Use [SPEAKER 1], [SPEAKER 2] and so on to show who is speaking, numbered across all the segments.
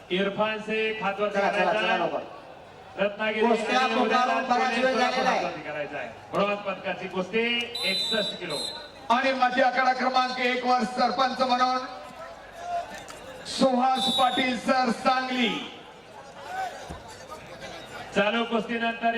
[SPEAKER 1] इरफान शेख हातवर करायचा रत्नागिरी करायचा आहे ब्रॉन्झ पदकाची कुस्ती 61 किलो
[SPEAKER 2] आणि माझी आखाडा क्रमांक 1 वर सरपंच म्हणून सुहास पाटील सर सांगली
[SPEAKER 1] चालू कुस्ती नंतर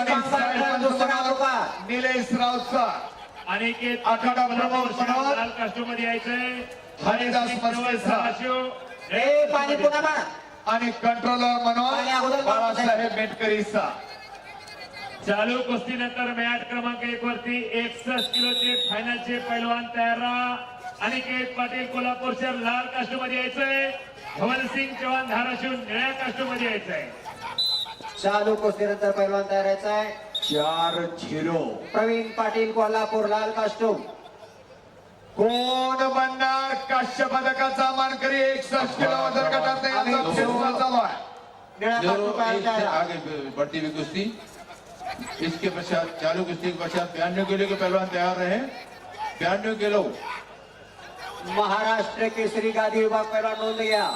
[SPEAKER 2] निलेश राऊत सर
[SPEAKER 1] अनिकेत
[SPEAKER 2] आखाडा प्रमुख म्हणून
[SPEAKER 1] लाल कास्ट्यूम मध्ये यायचंय
[SPEAKER 2] हरिदास मस्के आणि कंट्रोलर म्हणून बाळासाहेब मेटकरी सर
[SPEAKER 1] चालू कुस्ती नंतर मॅच क्रमांक 1 वरती 61 किलोचे फायनलचे पैलवान तयार राहा अनिकेत पाटील कोल्हापूर शहर लाल कास्ट्यूम मध्ये यायचंय धवलसिंग चव्हाण धाराशिव निळ्या कास्ट्यूम मध्ये यायचंय
[SPEAKER 3] चालू कुस्तीनंतर पैलवान तयार आहे
[SPEAKER 2] 4-0
[SPEAKER 3] प्रवीण पाटील कोल्हापूर लाल कास्ट्यूम
[SPEAKER 2] कोण बनणार काश्य पदकाचा मानकरी 61 किलो वजन गटात चालू आहे
[SPEAKER 4] आगे बढ़ती हुई कुश्ती इसके पश्चात चालू कुश्ती के पश्चात 92 किलो के पहलवान तैयार रहे 92 किलो
[SPEAKER 3] महाराष्ट्र केसरी गादी विभाग पहिला नोंद घ्या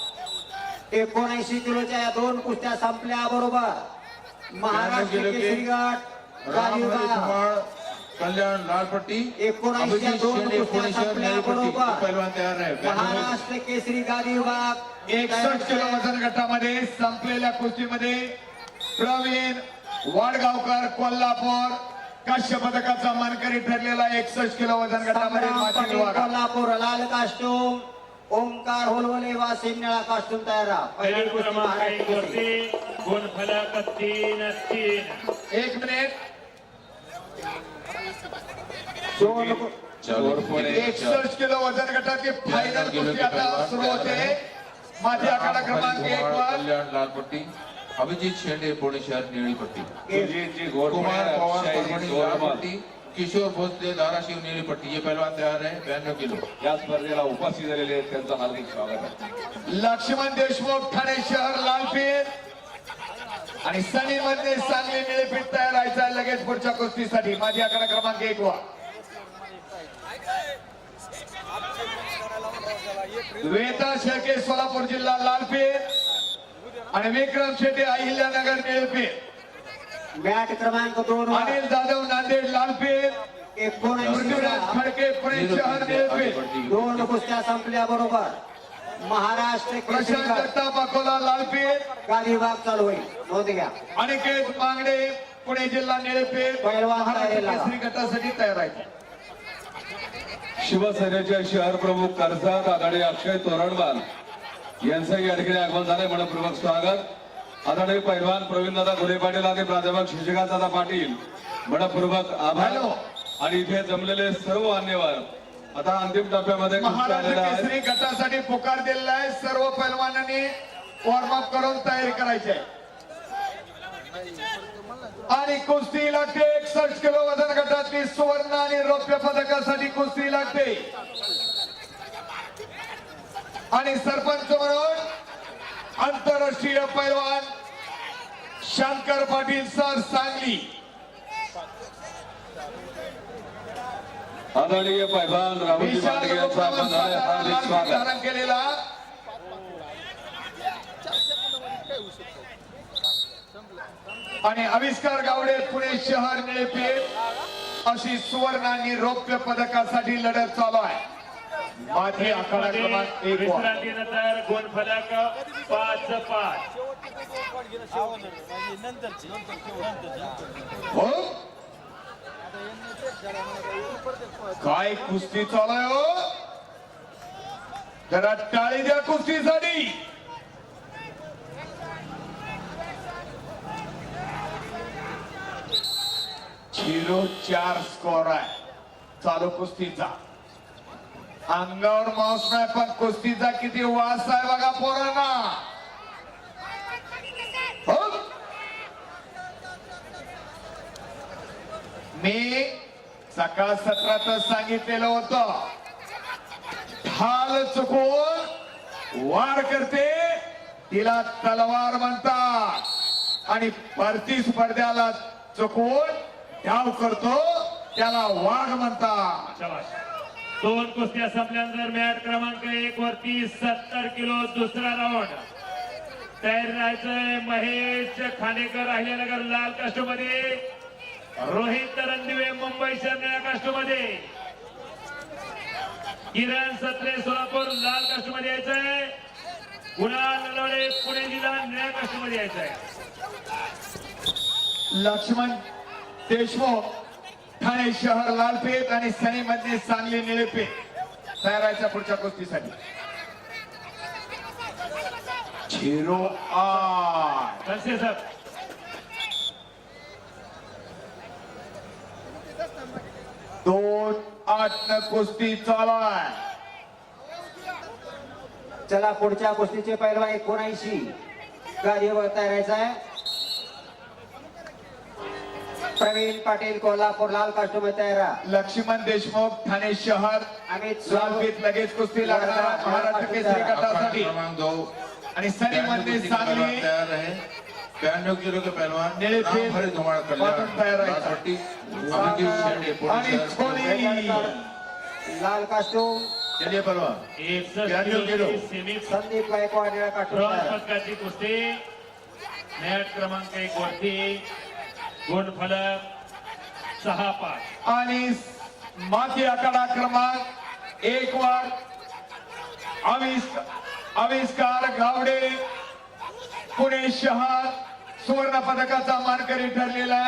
[SPEAKER 3] 79 किलोच्या या दोन कुस्त्या संपल्या बरोबर महाराष्ट्र केसरी गट गादी विभाग
[SPEAKER 4] कल्याण लाल पट्टी
[SPEAKER 3] 79 दोन कुस्त्या संपल्या बरोबर
[SPEAKER 4] पहलवान तैयार रहे
[SPEAKER 3] महाराष्ट्र केसरी गादी विभाग
[SPEAKER 2] 61 किलो वजन गटामध्ये संपलेल्या कुस्तीमध्ये प्रवीण वाडगावकर कोल्हापूर काश्य पदकाचा मानकरी ठरलेला 61 किलो वजन गटामध्ये माजी विभाग
[SPEAKER 3] कोल्हापूर लाल कास्ट्यूम ओमकार होलवले वासिम निळा कास्ट्यूम तयार राहा पहिली कुस्ती महाराष्ट्र केसरी
[SPEAKER 1] गुण फलक 3-3
[SPEAKER 2] एक मिनिट 61 किलो वजन गटाची फायनल कुस्ती आता सुरू होते माझी आखाडा क्रमांक 1 वर
[SPEAKER 4] कल्याण लाल पट्टी अभिजीत शेंडे पुणे शहर नीली पट्टी कुमार पवार परभणी लाल पट्टी किशोर भोसले धाराशिव नीली पट्टी ये पहलवान तैयार है 92 किलो
[SPEAKER 5] या स्पर्धेला उपस्थित झालेले आहेत त्यांचं हार्दिक स्वागत आहे
[SPEAKER 2] लक्ष्मण देशमुख ठाणे शहर लालपीठ आणि सनी मध्ये सांगली निळेपीठ तयार व्हायचा लगेच पुढच्या कुस्तीसाठी माझी आखाडा क्रमांक 1 वर वेता शेळके सोलापूर जिल्हा लालपीठ आणि विक्रम शेट्टी अहिल्यानगर निळेपीठ
[SPEAKER 3] मॅच क्रमांक 2
[SPEAKER 2] अनिल जाधव नांदेड लालपीठ
[SPEAKER 3] 19
[SPEAKER 2] पृथ्वीराज खडके पुणे शहर निळेपीठ
[SPEAKER 3] दोन कुस्त्या संपल्या बरोबर महाराष्ट्र केसरी
[SPEAKER 2] प्रशांत
[SPEAKER 3] गट
[SPEAKER 2] जगताप अकोला लालपीठ
[SPEAKER 3] गादी विभाग चालू होईल नोंद घ्या
[SPEAKER 2] अनिकेत मांगडे पुणे जिल्हा निळेपीठ
[SPEAKER 3] पहिलवान
[SPEAKER 2] महाराष्ट्र
[SPEAKER 3] तयारीला.
[SPEAKER 2] केसरी गटासाठी तयार आहे
[SPEAKER 5] शिवसेनेचे शहर प्रमुख कर्जत आघाडी अक्षय तोरणवाल यांचं या ठिकाणी आगमन झालंय मनपूर्वक स्वागत आदरणीय पैलवान प्रवीणदादा घोले पाटील आणि प्राध्यापक शशिकांतदादा पाटील मनपूर्वक आभार आणि इथे जमलेले सर्व मान्यवर आता अंतिम टप्प्यामध्ये कुस्ती
[SPEAKER 2] महाराष्ट्र
[SPEAKER 5] आलेला आहे
[SPEAKER 2] केसरी गटासाठी पुकार दिलेला आहे सर्व पैलवानांनी वॉर्मअप करून तयारी करायची आहे आणि कुस्ती लागते 61 किलो वजन गटातली सुवर्ण आणि रौप्य पदकासाठी कुस्ती लागते आणि सरपंच म्हणून आंतरराष्ट्रीय पैलवान शंकर पाटील सर सांगली
[SPEAKER 5] आदरणीय पैलवान राहुलजी मांडगे यांचं आगमन झालंय हार्दिक स्वागत
[SPEAKER 2] धारण केलेला आणि आविष्कार गावडे पुणे शहर निळेपीठ अशी सुवर्ण आणि रौप्य पदकासाठी लढत चालू आहे माझी आखाडा क्रमांक 1 वर
[SPEAKER 1] विश्रांतीनंतर गुण फलक 5-5
[SPEAKER 2] हो काय कुस्ती चालू आहे हो जरा टाळी द्या कुस्तीसाठी 0-4 स्कोर आहे चालू कुस्तीचा अंगावर मांस नाही पण कुस्तीचा किती वास आहे बघा पोरांना हो मी सकाळ सत्रातच सांगितलेलं होतं ढाल चुकून वार करते तिला तलवार म्हणतात आणि प्रतिस्पर्ध्याला चुकून डाव करतो त्याला वाघ म्हणतात
[SPEAKER 1] शाबास. दोन कुस्त्या संपल्यानंतर मॅच क्रमांक 1 वरती 70 किलो दुसरा राऊंड तयार राहायचंय महेश खानेकर अहिल्यानगर लाल कास्टमध्ये, रोहित रणदिवे मुंबई शहर निळ्या कास्टमध्ये, किरण सत्रे सोलापूर लाल कास्टमध्ये यायचंय, कुणाल नलवडे पुणे जिल्हा निळ्या कास्टमध्ये यायचंय.
[SPEAKER 2] लक्ष्मण देशमुख ठाणे शहर लालपेठ आणि सनी मधले सांगली निळेपेठ तयार राहायच्या पुढच्या कुस्तीसाठी. 08
[SPEAKER 1] कसे सर
[SPEAKER 2] 2-8 न कुस्ती चालू आहे.
[SPEAKER 3] चला पुढच्या कुस्तीचे पैलवान 79 गादीवर तयारायचा आहे. प्रवीण पाटील कोल्हापूर लाल कास्टमध्ये तयार.
[SPEAKER 2] लक्ष्मण देशमुख ठाणे शहर
[SPEAKER 3] अमित
[SPEAKER 2] लालपेठ लगेच कुस्ती लागणार महाराष्ट्र केसरी गटासाठी
[SPEAKER 4] क्रमांक 2
[SPEAKER 2] आणि सनी मध्ये सांगली
[SPEAKER 4] तैयार रहे. 92 किलो के पहलवान
[SPEAKER 2] नीले फेर
[SPEAKER 4] रामहरी धुमाळ
[SPEAKER 2] वाटून तयार आहे.
[SPEAKER 4] पट्टी अभिजीत शेंडे पुणे
[SPEAKER 2] आणि
[SPEAKER 4] शहर
[SPEAKER 2] खोली
[SPEAKER 3] लाल कास्टूम
[SPEAKER 4] चलिए पहलवान
[SPEAKER 1] 61 किलो सेमी
[SPEAKER 3] संदीप गायकवाड निळा कास्टूम
[SPEAKER 1] ब्रॉन्झ
[SPEAKER 3] तयार.
[SPEAKER 1] पदकाची कुस्ती. मॅट क्रमांक 1 वरती गुणफलक 6-5.
[SPEAKER 2] आणि माती आकडा क्रमांक 1 वर आविष्कार गावडे पुणे शहर सुवर्ण पदकाचा मानकरी ठरलेला आहे.